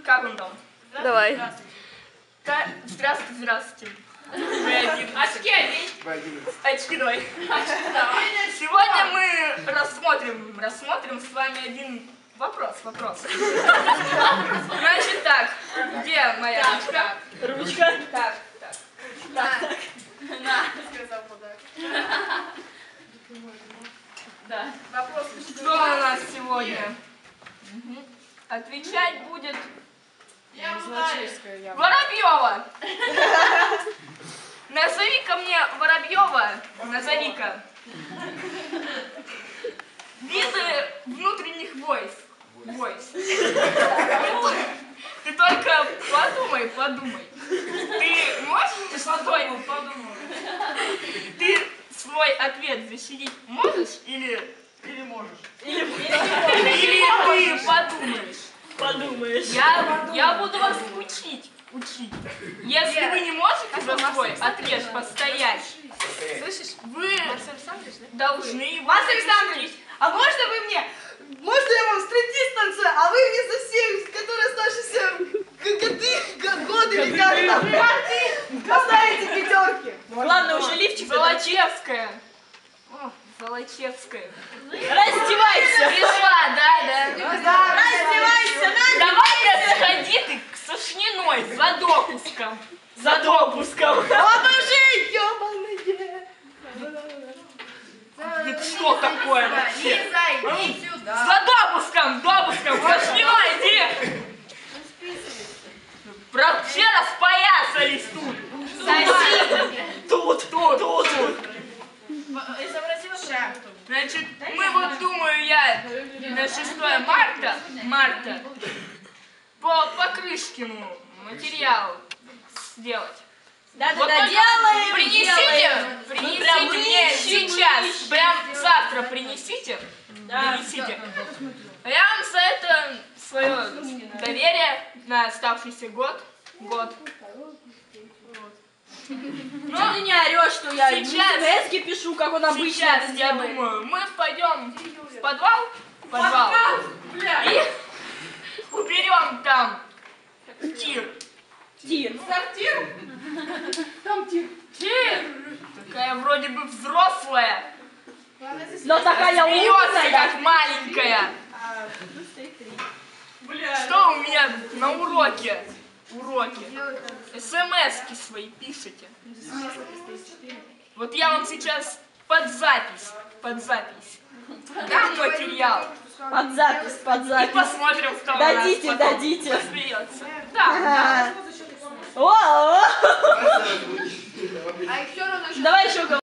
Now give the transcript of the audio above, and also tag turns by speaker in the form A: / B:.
A: Как он там?
B: Давай.
A: Здравствуйте, здравствуйте. Очки одень. Очки давай. Сегодня мы рассмотрим с вами один вопрос. Значит так, где моя ручка?
B: Ручка.
A: Так.
C: На, сказал подарок.
A: Да. Вопрос. Что у нас сегодня? Отвечать будет Воробьева. Назови-ка мне Воробьева. Назови-ка. Виды внутренних войск. Ты только подумай. Ты можешь Ты свой ответ защитить можешь или можешь? Или ты подумаешь? Я буду вас учить. Если вы не можете за свой ответ постоять, слышишь, вы должны его
C: Марсель Александрович, а можно вы мне? Можно я вам стриптиз танцую, а вы мне за всех, которые старше годы или как там, поставите пятерки.
B: Главное, уже лифчик.
A: Золочевская.
B: Раздевайся.
A: Пришла, да.
C: Раздевайся,
A: Давай сходи ты к Сушниной за допуском.
C: Обожи, ёбаные.
A: Это что такое вообще?
C: Лиза, иди сюда.
A: За допуском, Сушниной, иди. Вообще распоясались тут. Тут.
C: Изобразила шаг.
A: Значит, мы вот, думаю, я на 6 марта по Покрышкину материал сделать.
B: Да,
A: Вот только
B: делаем.
A: Принесите мне сейчас, прям завтра принесите. А я вам за это свое доверие на оставшийся год.
B: Ну, ты не орешь, что я смс-ки пишу, как он обычно
A: Сейчас,
B: это
A: я
B: делает.
A: думаю, мы пойдем в подвал и уберем там тир.
C: Сортир? Там тир.
A: Такая вроде бы взрослая,
B: Но такая
A: смеется
B: умная.
A: как маленькая. Что у меня на уроке? СМС-ки свои пишите. Вот я вам сейчас под запись дам материал.
B: Под запись.
A: И посмотрим, кто
B: Дадите.
A: у нас потом посмеется. Да.
B: О,
C: А еще равно
B: давай еще